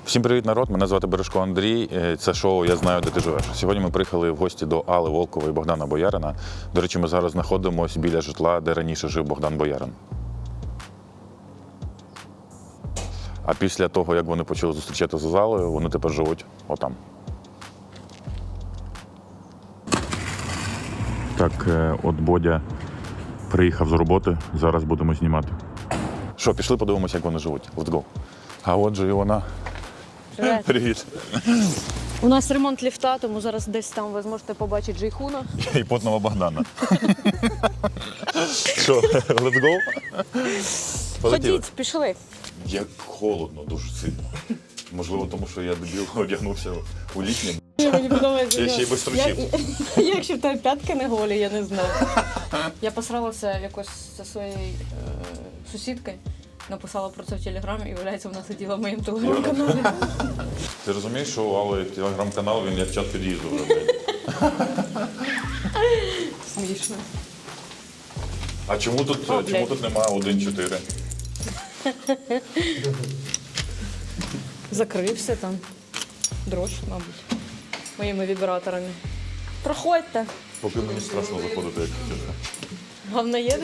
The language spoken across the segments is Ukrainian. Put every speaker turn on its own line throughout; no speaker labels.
Всім привіт, народ! Мене звати Бережко Андрій. Це шоу «Я знаю, де ти живеш». Сьогодні ми приїхали в гості до Алли Волкової і Богдана Боярина. До речі, ми зараз знаходимося біля житла, де раніше жив Богдан Боярин. А після того, як вони почали зустрічатися з Аллою, вони тепер живуть отам. Так, от Бодя приїхав з роботи, зараз будемо знімати. Що, пішли подивимося, як вони живуть. Let's go. А отже і вона.
Привет.
Привіт.
У нас ремонт ліфта, тому зараз десь там ви зможете побачити Джейхуна.
І потного Богдана. Що, let's go? Полетіли?
Ходіть, пішли.
Як холодно, дуже сильно. Можливо, тому що я дебіл одягнувся у літнє.
Мені подобається.
Я ще й без трусів.
Якщо в тебе п'ятки не голі, я не знаю. Я посралася якось зі своєю сусідкою, написала про це в телеграмі і, виявляється, вона сиділа в моєму телеграм-каналі.
Ти розумієш, що у Алли телеграм-канал, він як чат під'їзду вже, блядь.
Смішно.
А чому тут немає 1.4?
Закрився там. Дрож, мабуть, моїми вібраторами. Проходьте.
Поки мені страшно заходити, як чесно.
Головне їде.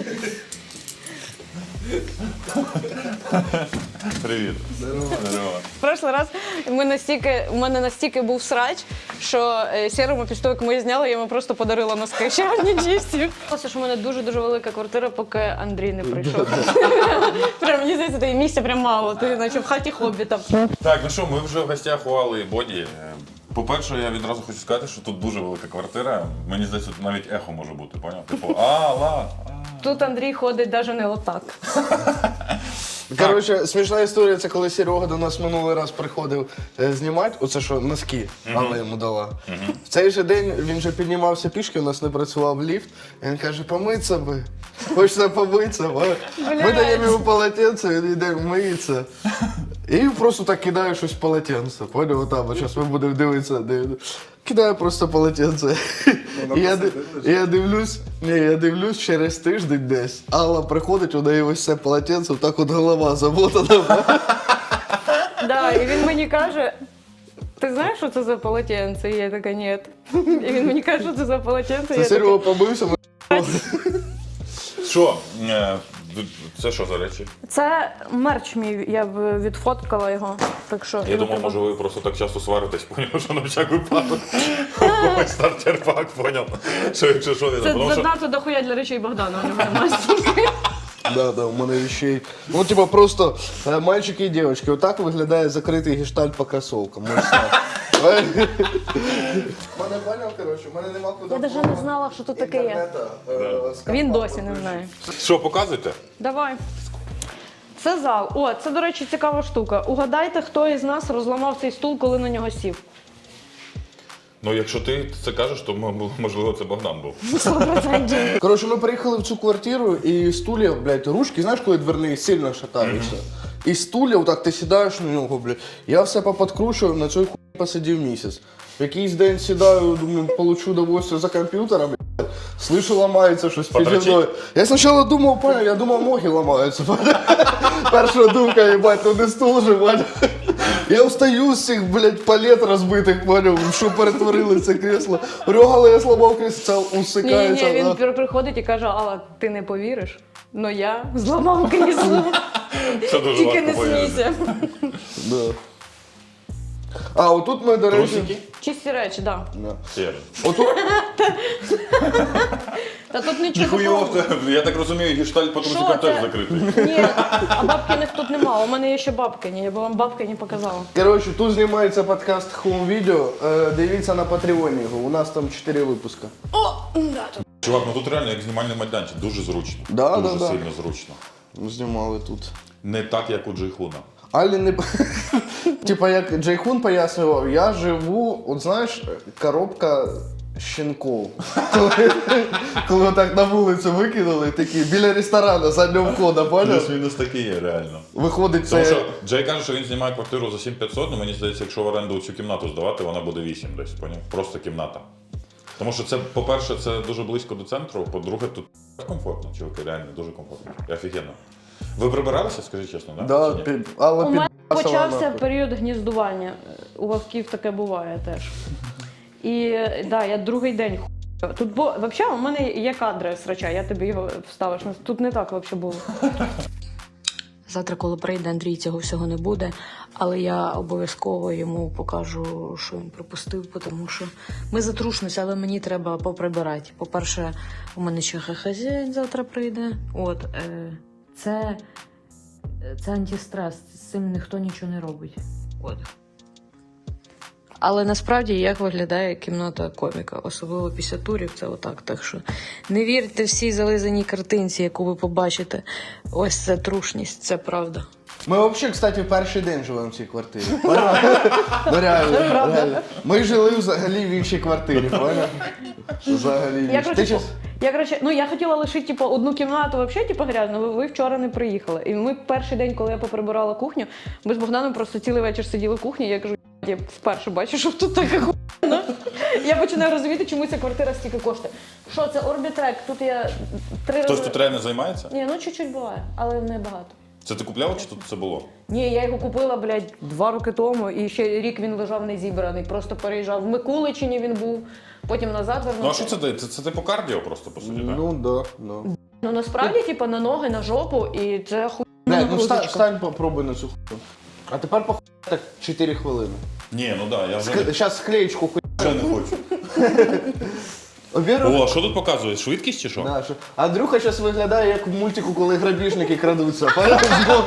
Привіт. Здорово.
В прошлий раз у мене настільки був срач, що Сєрому після того, як ми її зняли, я йому просто подарила носки. Ще одні чисті. Це ж у мене дуже-дуже велика квартира, поки Андрій не прийшов. Прям, мені здається, тобі місця прям мало, ти наче в хаті хобіта.
Так, ну що, ми вже в гостях у Алли і Боді. По-перше, я відразу хочу сказати, що тут дуже велика квартира. Мені здається, тут навіть ехо може бути, поняв? Типу, Алла.
Тут Андрій ходить навіть не отак.
Коротше, смішна історія, це коли Серега до нас минулий раз приходив знімати, оце що, носки, Алла йому дала. В цей же день він вже піднімався пішки, у нас не працював ліфт, і він каже, помитися би, хочеться помитися. Ми даємо йому полотенце, він йде миється. І просто так кидає щось в полотенце, поняв, отам, зараз ми будемо дивитися. Кидає просто полотенце. І я дивлюсь через тиждень десь. Алла приходить, у неї ось це полотенце, так от голова замотана.
Да, і він мені каже, ти знаєш, що це за полотенце? І я така, ні. І він мені каже, що це за полотенце.
Це Серега побився.
Що? Це що за речі?
Це мерч мій, я б відфоткала його. Так що,
Я думав, може ви просто так часто сваритесь, поняв, що на всяк випадок. У когось стартер-пак, поняв. Що якщо що,
це
тому що...
занадто дохуя для речей Богдана, у нього немає стільки.
Да, у мене вещей. Ну, типа, просто мальчики і дівчатки. Отак виглядає закритий гештальт по кросовкам. Мене поняв, коротше, в мене нема куди.
Я навіть не знала, що тут таке є. Він досі не знає.
Що, показуйте?
Давай. Це зал. О, це, до речі, цікава штука. Угадайте, хто із нас розламав цей стул, коли на нього сів.
Ну, якщо ти це кажеш, то можливо це Богдан був.
100%.
Коротше, ми приїхали в цю квартиру, і стулья, блядь, ручки, знаєш, коли дверні сильно шатаються. І стулья, отак ти сідаєш на нього, блядь. Я все поподкручував, на цій хуй посидів місяць. В якийсь день сідаю, думаю, получу удовольствие за комп'ютером, блядь. Слышу, ламається щось піді мною. Я спочатку думав, понял, я думав, ноги ламаються. Перша думка, їбать, ну не стул же, блядь. Я встаю з цих, блядь, палет розбитих, поняв, що перетворили це кресло. Рюгало, я слабав кресло, усикається.
Ні, він приходить і каже, Алла, ти не повіриш, но я зламав крісло.
Це дуже
Тільки не
важко повірити.
смійся.
Да. А, отут ми, до речі...
Трусики?
Чисті речі, так.
Да.
Сєрен.
Отут...
Та тут нічого
Ніхуйов,
такого.
я так розумію, гештальт по трусикам
Що
теж
це?
закритий.
Ні, а бабкиних тут нема. У мене є ще бабкині, я б вам бабкині показала.
Коротше, тут знімається подкаст Home Video. Дивіться на Патреоні його, у нас там 4 випуска.
Чувак, ну тут реально як знімальний майданчик, дуже зручно.
Да,
дуже
да.
сильно зручно.
Знімали тут.
Не так, як у Джейхуна.
Алі не... Типа, як Джейхун пояснював, я живу, от знаєш, коробка щенков. Коли так на вулицю викинули, такі, біля ресторану, заднього входу, поняв?
Плюс-мінус такі є, реально.
Виходить
Тому
це...
що Джей каже, що він знімає квартиру за 7500, але мені здається, якщо в оренду цю кімнату здавати, вона буде 8 десь, поняв? Просто кімната. Тому що це, по-перше, це дуже близько до центру, по-друге, тут комфортно, чуваки, реально дуже комфортно. І офігенно. Ви прибиралися, скажіть чесно, да?
Да,
Чи ні?
але
У мене Почався період гніздування. У вовків таке буває теж. І да, я другий день хуй. Тут взагалі у мене є кадри срача, я тобі його вставиш. Тут не так взагалі було. Завтра, коли прийде Андрій, цього всього не буде, але я обов'язково йому покажу, що він пропустив, тому що ми затрушимося, але мені треба поприбирати. По-перше, у мене ще хазяїн завтра прийде. От, це антистрес, з цим ніхто нічого не робить. От. Але насправді як виглядає кімната коміка, особливо після турів, це отак. Так що не вірте всій зализаній картинці, яку ви побачите. Ось це трушність, це правда.
Ми взагалі, кстати, перший день живемо в цій квартирі. Ну реально. Ми жили взагалі в іншій квартирі, поняв? Взагалі в іншій.
Я хотіла лишити одну кімнату взагалі грязну, ви вчора не приїхали. І ми перший день, коли я поприбирала кухню, ми з Богданом просто цілий вечір сиділи в кухні, я кажу, я вперше бачу, що тут така хуйня. Я починаю розуміти, чому ця квартира стільки коштує. Що це Орбітрек? Тут я 3 рази...
Хтось тут реально займається?
Ні, чуть-чуть буває, але не багато.
Це ти купляв чи тут це було?
Ні, я його купила, 2 роки тому, і ще рік він лежав не зібраний, просто переїжджав. В Микуличині він був, потім назад вернувся.
Ну а що це дає? Це типу кардіо просто, по суті, так?
Ну, да.
Ну насправді, на ноги, на жопу, і це хуйня.
Ну встань, попробуй на цю хуйню. А тепер похуй так 4 хвилини.
Ні, ну так, я вже
Зараз склеєчку хуй.
вже не хочу. О, а що тут показує? Швидкість чи що?
Да, що? Андрюха зараз виглядає як в мультику, коли грабіжники крадуться. Поняв?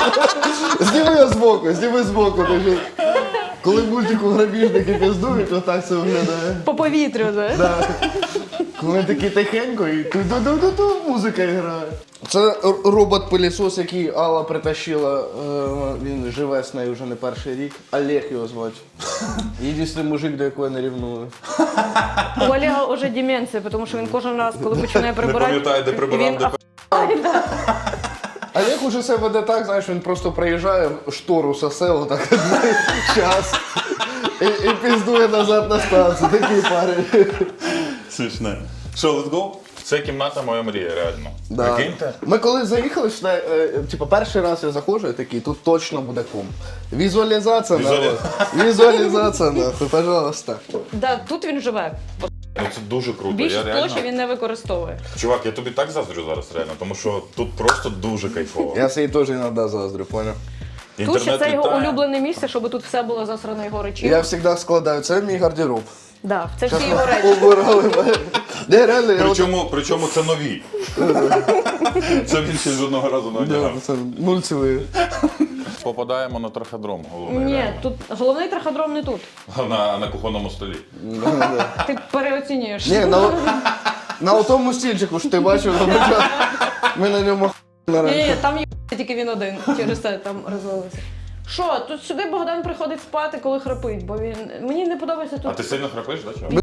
Зніми збоку. Коли в мультику грабіжники піздують, отак це виглядає.
По повітрю, да?
Да. Коли такі тихенько і ту-ду-ду-ду-ду музика грає. Це робот-пилісос, який Алла притащила. Він живе з нею вже не перший рік. Олег його звати. Єдиний мужик, до якого я не ревную.
У Олега вже деменція, тому що він кожен раз, коли починає прибирати...
Не пам'ятає, де прибирав, де
Олег уже себе веде так, знаєш, він просто приїжджає, штору сосе, отак час. І піздує назад на станцію. Такий парень.
Смішне. Що, let's go? Це кімната моя мрія, реально.
Да.
Прикиньте?
Ми коли заїхали, перший раз я заходжу і такий, тут точно буде кум. Візуалізація, Візуалізація, нахуй, пожалуйста.
Да, тут він живе.
Ну це дуже круто.
Більшість
Я реально...
площі він не використовує.
Чувак, я тобі так заздрю зараз, реально, тому що тут просто дуже кайфово.
Я собі теж іноді заздрю, поняв?
Тут ще це його
літає.
улюблене місце, щоб тут все було засрано його речі.
Я завжди складаю, це мій гардероб.
Да, це всі його речі.
Убирали мене. Не, реально, я
Причому це нові. Це він ще жодного разу не одягав.
це мульцевий.
Попадаємо на траходром головний.
Ні,
реально.
тут головний траходром не тут.
На кухонному столі.
Ти переоцінюєш.
Ні, на тому стільчику ж ти бачив, ми на ньому
Ні, там є тільки він один, через це там розвалився. Що, тут сюди Богдан приходить спати, коли храпить, бо мені не подобається тут.
А ти сильно храпиш, да, чувак?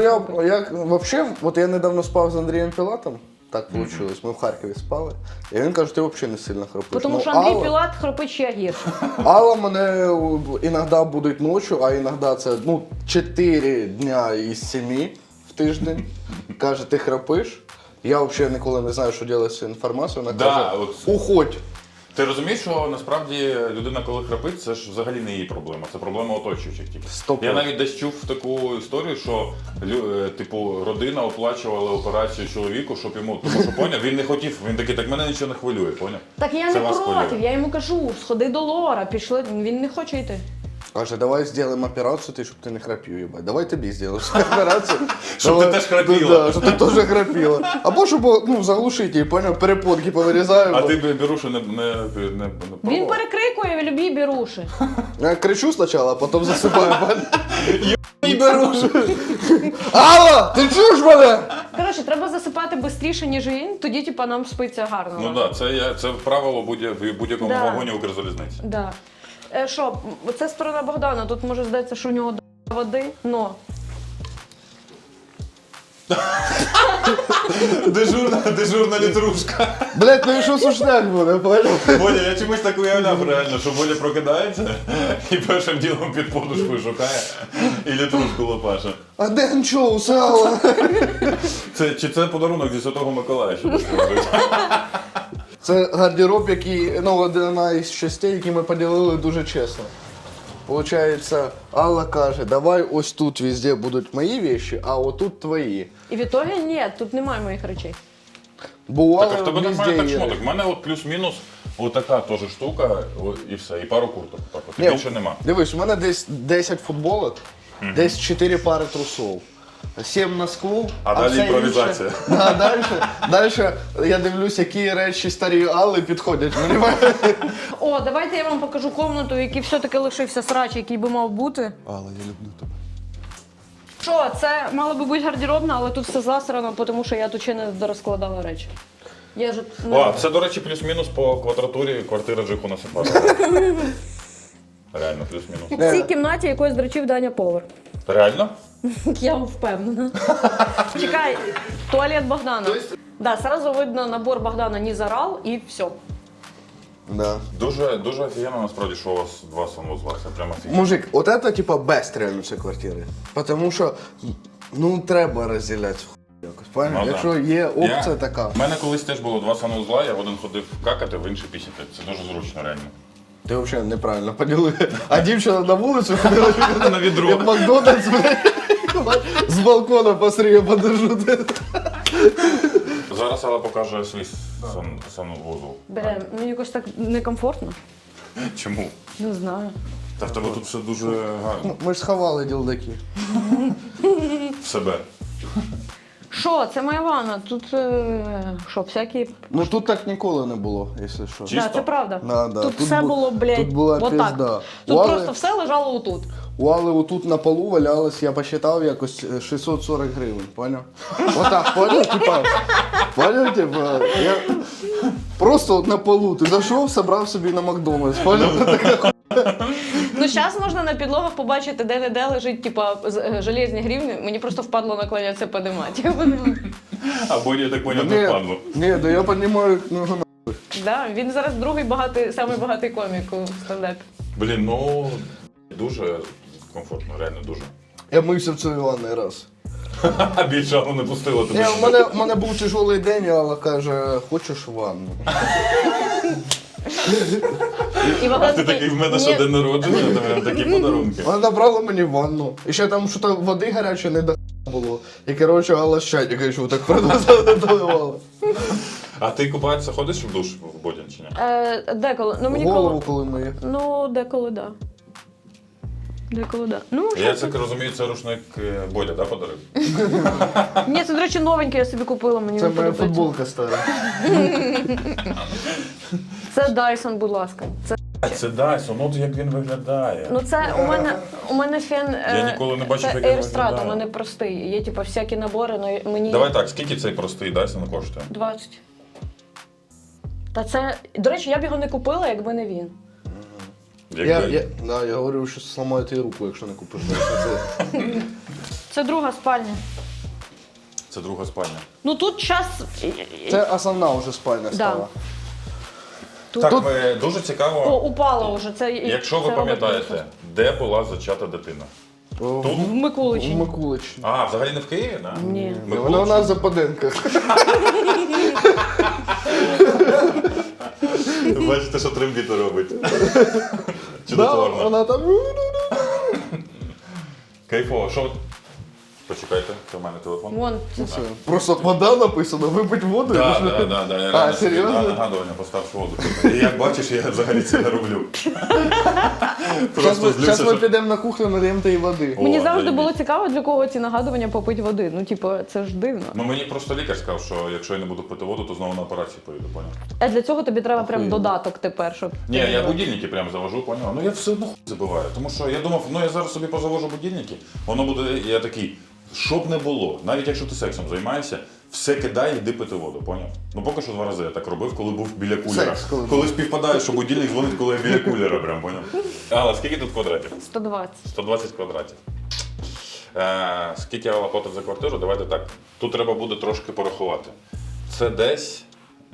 Я недавно спав з Андрієм Пілатом, так вийшло, ми в Харкові спали, і він каже, ти взагалі не сильно храпиш.
Тому що Андрій Пілат храпить ще гірше.
Алла мене іноді будуть ночі, а іноді це 4 дня із 7 в тиждень. Каже, ти храпиш. Я взагалі ніколи не знаю, що робити з цією інформацією. Вона каже, уходь.
Ти розумієш, що насправді людина, коли храпить, це ж взагалі не її проблема, це проблема оточуючих. Я навіть десь чув таку історію, що родина оплачувала операцію чоловіку, щоб йому, тому що поняв, він не хотів, він такий, так мене нічого не хвилює, поняв?
Так я
Це
не
вас
проти,
хвилює.
я йому кажу, сходи до Лора, пішли, він не хоче йти.
Каже, давай зробимо операцію, щоб ти не храпів, їбать. Давай тобі зробимо операцію.
Щоб ти теж храпіла.
Да, щоб ти теж храпіла. Або щоб заглушити її, поняв, перепонки повирізаємо.
А ти беруші не пробував?
Він перекрикує любі біруші.
Я кричу спочатку, а потім засипаю.
І беруші!
Алла, ти чуєш мене?
Коротше, треба засипати швидше, ніж він, тоді нам спиться гарно.
Ну так, це правило в будь-якому
Да.
вагоні Укрзалізниці.
Да. Що, це сторона Богдана, тут може здається, що у нього води, но.
Дежурна літрушка.
Блять, ну і що сушняк буде, поняв?
Боля, я чомусь так уявляв реально, що Боля прокидається і першим ділом під подушкою шукає і літрушку лопаше.
А де анчоус, Алла?
Чи це подарунок зі Святого Миколая, що ти скажеш?
Це гардероб, який, ну, одна із частей, які ми поділили дуже чесно. Получається, Алла каже, давай ось тут везде будуть мої речі, а отут твої.
І в ітогі ні, тут немає моїх речей.
Бо у
Так, а
Алли
в тебе немає
везде
так
є.
шмоток. У мене от плюс-мінус отака теж штука, і все, і пару курток. Так, от, і
Ні,
більше нема.
Дивись, у мене десь 10 футболок, десь 4 пари трусов. 7 носков,
А далі
все
імпровізація.
інше- Да, дальше я дивлюсь, які речі старі Алли підходять. Понімаєш?
О, давайте я вам покажу комнату, в якій все-таки лишився срач, який би мав бути.
Алла, я люблю тебе.
Що, це мало би бути гардеробна, але тут все засрано, тому що я тут ще не дорозкладала речі. Я ж
О, це, до речі, плюс-мінус по квадратурі квартира Джихуна Сафарова. Реально, плюс-мінус.
в цій кімнаті якось дрочив Даня повар.
Реально?
Я впевнена. Чекай, туалет Богдана. Да, сразу видно набор Богдана не зарал і все.
Да.
Дуже, дуже офігенно, насправді, що у вас два санвузла. Це прямо офігенно.
Мужик, от это типа бест реально цієї квартири. Потому що, ну, треба розділяти хуй якось. Правильно?
Ну, да.
Якщо є опція така.
У мене колись теж було два санвузла, я в один ходив какати, в інший пісяти. Це дуже зручно, реально.
Ти взагалі неправильно поділив. А дівчина на вулицю ходила
На відро.
як Макдональдс, блядь, з балкона посріє подержу.
Зараз Алла покаже свій санвузол.
Берем. Ну якось так некомфортно.
Чому?
Не знаю.
Та в тебе тут все дуже гарно.
Ми ж сховали ділдаки.
В себе.
Що, це моя ванна. Тут що, всякі.
Ну тут так ніколи не було, якщо що.
Чисто?
Да, це правда.
Да.
Тут
Тут
все
бу-
було, блядь,
тут була
отак.
пізда.
Тут
У Алли-
просто все лежало отут.
У Алли отут на полу валялось, я посчитав, якось 640 гривень, поняв? Отак, поняв? Типа, поняв, типа, я просто от на полу, ти зайшов, собрав собі на Макдональдс, поняв?
Ну, зараз можна на підлогах побачити, де-не-де лежить, типа, железні гривні. Мені просто впадло наклонятися подимати.
Або я так поняв, не впадло.
Ні, да я розумію, ну,
Да, він зараз другий самий багатий комік у стендапі.
Блін, ну дуже комфортно, реально дуже.
я мився в цій ванні раз.
А більше Алла не пустила тобі.
Ні, у мене був тяжелий день, і Алла каже, хочеш ванну?
І
А ти такий, в мене що день народження, то прям такі подарунки.
Вона набрала мені ванну. І ще там щось води гарячої не до було. І коротше, Алла з чайника йшов так доливала.
А ти купатися ходиш в душ в Бодін чи ні?
Деколи. Ну, мені
Голову коли миє.
Ну, деколи, да. Деколи, да. Ну,
Я так розумію, це рушник Бодя, да, подарив?
ні, це, до речі, новенький я собі купила, мені
Це
не
моя
подобається.
футболка стара.
Це Dyson, будь ласка.
Це Dyson, от як він виглядає.
Ну це у мене фен.
Я ніколи не бачив,
це
як він
Airstrat,
виглядає.
у мене простий. Є типу всякі набори, але мені
Давай так, скільки цей простий Dyson коштує?
20. Та це. До речі, я б його не купила, якби не він.
Я говорю, що зламаю тобі руку, якщо не купиш.
Це друга спальня.
Це друга спальня.
Ну тут час.
Це основна вже спальня стала.
Так,
Тут-
дуже
О,
цікаво,
упало вже. Це,
якщо ви
це робить
пам'ятаєте,
просто.
де була зачата дитина?
В Микуличі.
В Микуличі.
А, взагалі не в Києві, так?
Ні.
Вона у нас в Западенках.
Бачите, що трембіти робить.
Да,
Чудотворно.
вона там.
Кайфово, що? Почекайте, це в мене телефон.
Вон.
Все. Просто вода написано, випить воду.
Так,
і пішли.
так, я реально собі
серйозно?
нагадування постав воду. І як бачиш, я взагалі це не роблю. Просто
Зараз ми
що...
підемо на кухню, надаємо їй води.
Мені
О,
завжди
заєбісь.
було цікаво, для кого ці нагадування попити води. Ну, типу, це ж дивно.
Ну мені просто лікар сказав, що якщо я не буду пити воду, то знову на операцію поїду, поняв?
А для цього тобі треба прям
Охуєнно.
додаток тепер, щоб.
Ні, я будильники прям завожу, поняв? Ну я все одно хуй забиваю. Тому що я думав, ну я зараз собі позавожу будильники, воно буде, я такий, що б не було, навіть якщо ти сексом займаєшся, все кидай і йди пити воду, поняв? Ну поки що 2 рази я так робив, коли був біля кулера.
Секс, коли
Коли співпадає, що будильник дзвонить, коли я біля кулера, прям, поняв? Алла, скільки тут квадратів?
120.
120 квадратів. Скільки Алла платить за квартиру? Давайте так. Тут треба буде трошки порахувати. Це десь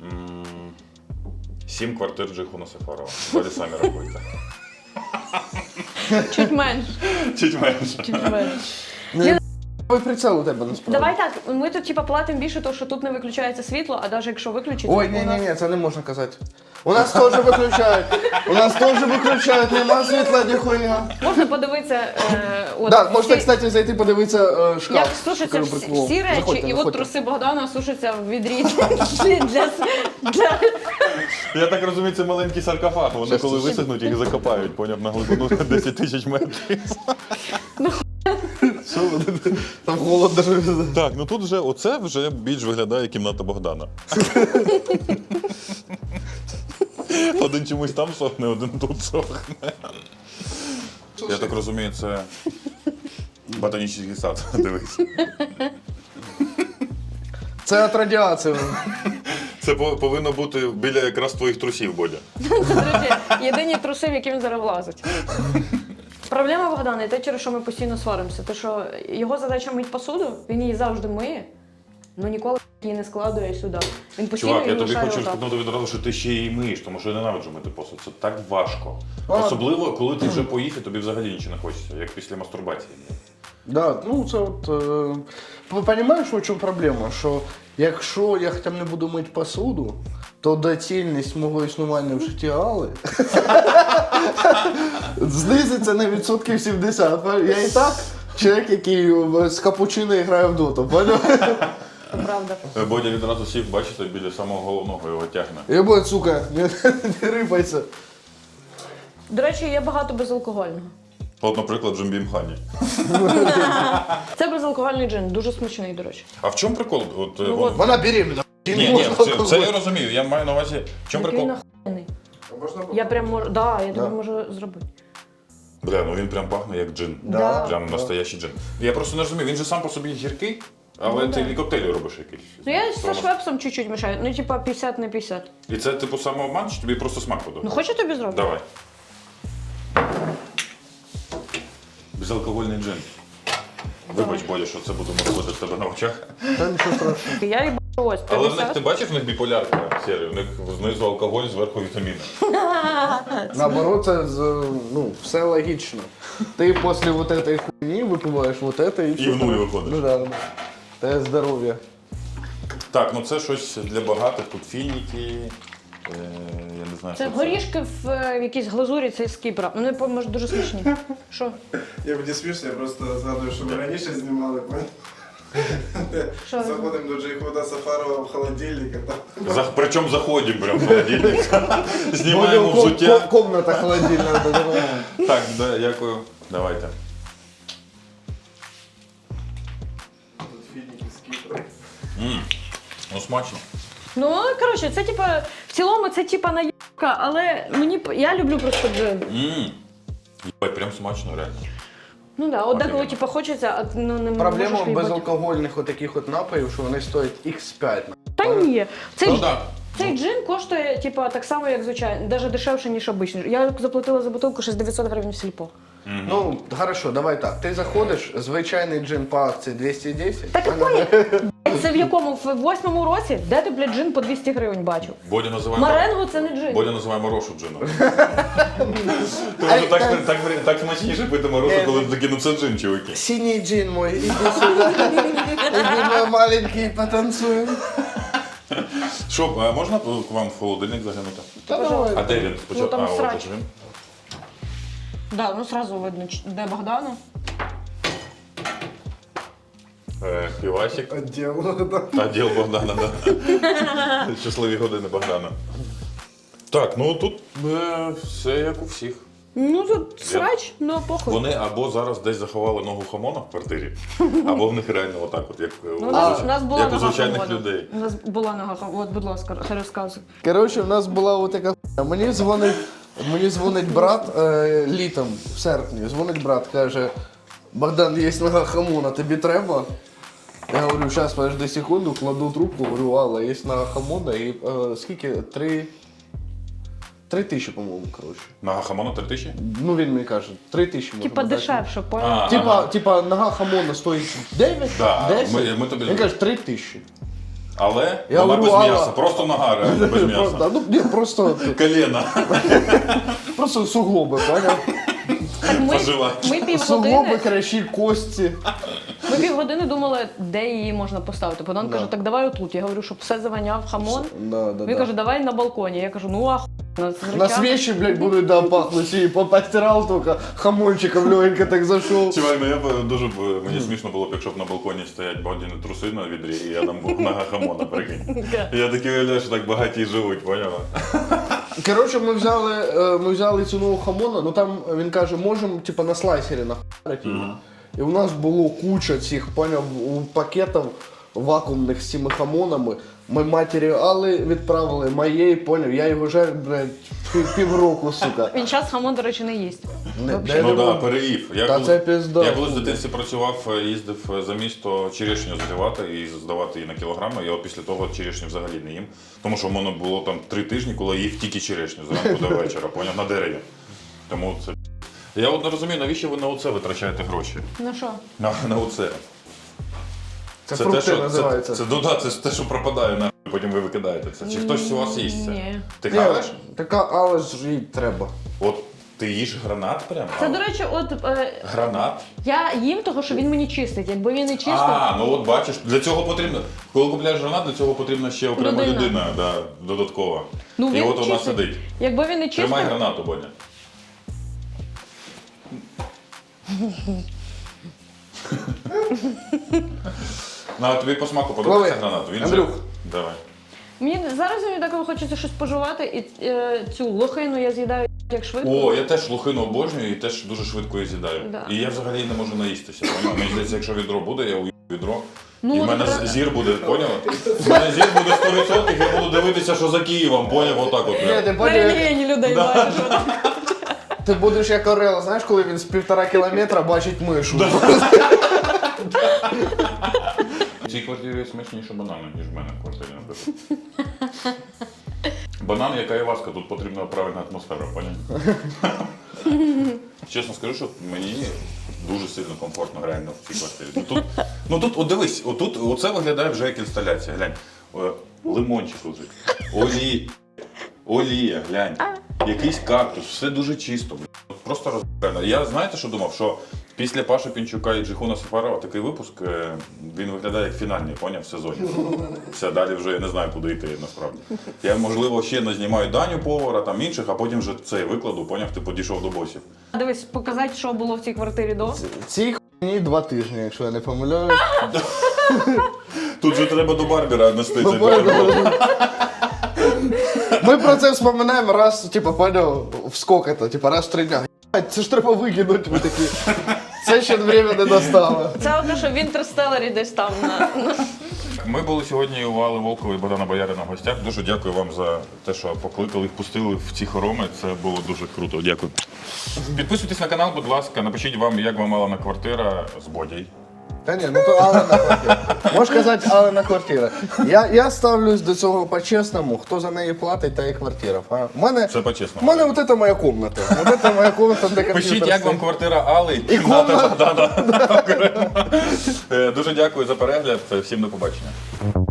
7 квартир Джихуна Сафарова. Далі самі рахуйте.
Чуть менше.
Чуть менше.
Чуть менше.
прицел у тебе насправді.
Давай так, ми тут типа платимо більше, тому що тут не виключається світло, а навіть якщо виключиться,
Ой,
у нас...
ні, це не можна казати. У нас теж виключають. У нас теж виключають, нема світла ніхуя.
Можна подивитися,
Да, можете, кстати, зайти подивитися шкаф.
як сушаться
Кажу,
всі,
прикол.
всі речі,
Заходьте,
і от
заходьте.
труси Богдана сушаться в відрі для...
Я так розумію, це маленький саркофаг. Вони коли висохнуть, їх закопають, поняв, на глибину 10 тисяч метрів.
Що ви? Там холодно.
Так, ну тут вже оце вже більш виглядає кімната Богдана. Один чомусь там сохне, один тут сохне. Я так розумію, це ботанічний сад. Дивись.
Це від радіації.
Це повинно бути біля якраз твоїх трусів, Бодя.
Це, до речі, єдині труси, в які він зараз влазить. Проблема Богдана і те, через що ми постійно сваримося. Те, що його задача мити посуду, він її завжди миє, але ніколи її не складує сюди. Він постійно
Чувак, я
її
тобі
лишає
хочу
отак.
спитнути відразу, що ти ще її миєш, тому що я ненавиджу мити посуд. Це так важко. Особливо, коли ти вже поїв і тобі взагалі нічого не хочеться, як після мастурбації.
Да, ну це от. Розумієш, в чому проблема? Що якщо я хоча б не буду мити посуду, то доцільність мого існування в житті Алли знизиться на відсотків 70. Я і так чоловік, який з капучино грає в доту.
Правда.
Бодя відразу сів, бачите, біля самого головного його тягне.
Я бо, сука, не рипайся.
До речі, є багато безалкогольного.
От, наприклад, Джимбім Хані.
Це безалкогольний джин, дуже смачний, до речі.
А в чому прикол? От,
от.
Вона беременна.
Ні, це я розумію. Я маю на увазі, в чому
Який
прикол?
нахуйний. Я прям можу, да, я тобі
Да.
можу зробити.
Бля, ну він прям пахне як джин.
Да.
Прям настоящий джин. Я просто не розумію, він же сам по собі гіркий, але
Ну,
ти
да.
і коктейлі робиш якийсь.
Ну я
Тому-
зі швепсом чуть-чуть мішаю, ну типа 50 на 50.
І це типу самообман, чи тобі просто смак подобається?
Ну хочу тобі зробити?
Давай. Безалкогольний джин. Вибач, Бодя, що це будемо робити в тебе на очах.
Та нічого страшного.
Я їбаю ось
Але в них,
50.
ти бачиш, в них біполярка серія, у них знизу алкоголь, зверху вітаміни.
Наоборот, це ну, все логічно. Ти після вот этой хуйні випиваєш вот это і все.
в нуль виходиш.
Ну да. Те здоров'я.
Так, ну це щось для багатих, тут фініки, я не знаю,
Це
що
горішки в якійсь глазурі, це з Кіпра. Вони може дуже смачні. Що?
Я мені смішно, я просто згадую, що ми раніше знімали,
Що ви
заходимо до Джейхуда Сафарова в холодильник, а там
Причому заходимо прямо в холодильник, знімаємо взуття.
Комната холодильна.
Так, да, дякую. Давайте.
тут фініки з Кіпру.
Ну смачно.
Ну, коротше, це типа, в цілому це типа наїбка, але я люблю просто джин.
Єбать, прям смачно, реально.
Ну да, от деколи
Офігенно.
типа хочеться, а ну не
Проблема
можеш виїбати.
безалкогольних отаких от напоїв, що вони стоять X5.
Та ні,
Ну так.
цей джин коштує типа так само, як звичайно, навіть дешевше, ніж обичний. Я заплатила за бутилку 900 гривень в сільпо.
Ну, хорошо, давай так. Ти заходиш, звичайний джин по акції 210.
Так і поняв. Це в якому? В 8-му році? Де ти, блядь, джин по 200 гривень бачив?
Бодя називає
Маренго це не джин.
Бодя називає морошу джином. Тому що так смачніше пити морошу, коли такі, ну це джин, чуваки.
Синій джин мой, іди сюди. Іди, мой маленький, потанцюємо.
Що, а можна к вам в холодильник заглянути?
Та давай.
А де він?
Ну, там
от
срач.
він.
Да, ну сразу видно, де Богдана.
Півасик.
Отдел, да.
А діл Богдана, да. Щасливі години Богдана. Так, ну тут все як у всіх.
Ну тут срач, ну похуй.
Вони або зараз десь заховали ногу хамона в квартирі, або в них реально отак, от, як
Ну, у нас була
як у
нога
звичайних
хамона.
людей.
У нас була нога хамона. От, будь ласка, хай розказуй.
Коротше, в нас була отака хуйня. Мені дзвонить брат літом, в серпні. Дзвонить брат, каже: Богдан, є нога хамона, тобі треба? Я говорю, зараз подожди секунду, кладу трубку, говорю, Алла, є нога хамона, і скільки? 3 тисячі, по-моєму, коротше.
Нога хамона 3000?
Ну він мені каже, 3 тисячі можна
Типа
дати.
дешевше, понял?
Типа нога хамона стоїть 9,
Да,
10,
ми тобі
він каже 3 тисячі.
Але
Я
вона
говорю,
без
Алла.
м'яса, просто нога реально без м'яса.
Просто, ну, ні,
Коліна.
просто суглоби, поняв?
Так ми
Пожила.
Суглоби,
півгодини,
кращі, кості.
ми півгодини думали, де її можна поставити. Богдан каже, так давай отут. Я говорю, щоб все заваняв хамон. Він каже, давай на балконі. Я кажу, ну
на свечи, блядь, будут, да, пахнуть, и постирал только, хамончиком легенько так зашел.
Чувак, ну я б дуже мені смішно було б, якщо б на балконі стоять багатіні труси на відрі, і я там був нога хамона, прикинь. Я такий уявляю, що так багаті живуть, поняла?
Короче, ми взяли цю нову хамона, ну там він каже, можемо типа на слайсері нахуярити її. І у нас було куча цих, поняв, пакетів вакуумних з цими хамонами. Ми матеріали відправили моєї, поняв, я його жарю, блядь, півроку, сука.
Він час хамон, до речі, не їсть.
Ну так, переїв.
Та це пізда.
Я колись в дитинстві працював, їздив за місто черешню зривати і здавати її на кілограми. Я після того черешню взагалі не їм. Тому що в мене було там 3 тижні, коли я їв тільки черешню зранку до вечора, поняв, на дереві. Тому це. Я от не розумію, навіщо ви на оце витрачаєте гроші?
На що?
На оце.
Це фрукти називаються.
Це те, що пропадає, нахуй, потім ви викидаєте це. Чи хтось у вас їсть це?
Ні.
Ти хаваєш?
Така, але ж їй треба.
От ти їш гранат прямо?
Це, до речі, от
Гранат?
я їм того, що він мені чистить. Якби він не чистив,
А, ну от бачиш, для цього потрібно. Коли купляєш гранат, для цього потрібна ще окрема людина, да, додаткова.
ну
І
він
от вона
чистить.
сидить.
Якби він не чистив,
Тримай гранату, Боня. На тобі по смаку подобається
Лови.
гранату? Він
Андрюх.
же... Давай.
мені зараз мені так хочеться щось пожувати, і цю лохину я з'їдаю як швидко.
О, я теж лохину обожнюю і теж дуже швидко її з'їдаю.
Да.
І я взагалі не можу наїстися. Поняв? Мені здається, якщо відро буде, я уїду відро.
Ну,
І в
от
мене
правда.
зір буде, поняв? В мене зір буде 100%, я буду дивитися, що за Києвом, поняв, отак от. прям.
Ти
Перелієні людей бачиш.
Ти будеш як Орел, знаєш, коли він з 1,5 кілометра бачить мишу.
В цій квартирі смачніше банани, ніж в мене в квартирі, наприклад. Банан, як айваска, тут потрібна правильна атмосфера, поняв? Чесно скажу, що мені дуже сильно комфортно реально в цій квартирі. Тут, от дивись, оце виглядає вже як інсталяція, глянь. Лимончик лежить, олія, глянь, якийсь кактус, все дуже чисто, блін. Просто розбирано. Я знаєте, що думав, що після Паши Пінчука і Джихуна Сафарова такий випуск, він виглядає як фінальний, поняв, в сезоні. Все, далі вже я не знаю, куди йти, насправді. Я, можливо, ще не знімаю Даню повара, там інших, а потім вже цей викладу, поняв, ти підійшов до босів.
Дивись, показати, що було в цій квартирі до.
Цій хуйні 2 тижні, якщо я не помиляюсь.
Тут же треба до Барбера нести цей
Ми про це вспоминаємо раз, типа, поняв, в скільки то, типа, раз в 3 дня. Це ж треба викинути, ми такі. Це ще время не достало.
Це одно, що в Інтерстелларі десь там на.
Ми були сьогодні у Алли Волкової і Богдана Боярина в гостях. Дуже дякую вам за те, що покликали, впустили в ці хороми. Це було дуже круто. Дякую. Підписуйтесь на канал, будь ласка. Напишіть вам, як вам Алана квартира з Бодій.
Та ні, ну то Алена квартира. Можеш казати Алена квартира. Я ставлюсь до цього по-чесному. Хто за неї платить, та і квартира.
Це
У
по-чесному.
мене от це моя комната. От це моя комната, де комп'ютер.
Пишіть, як вам
стоїть.
квартира Алли і
комната.
Богдана. Дуже дякую за перегляд. Всім до побачення.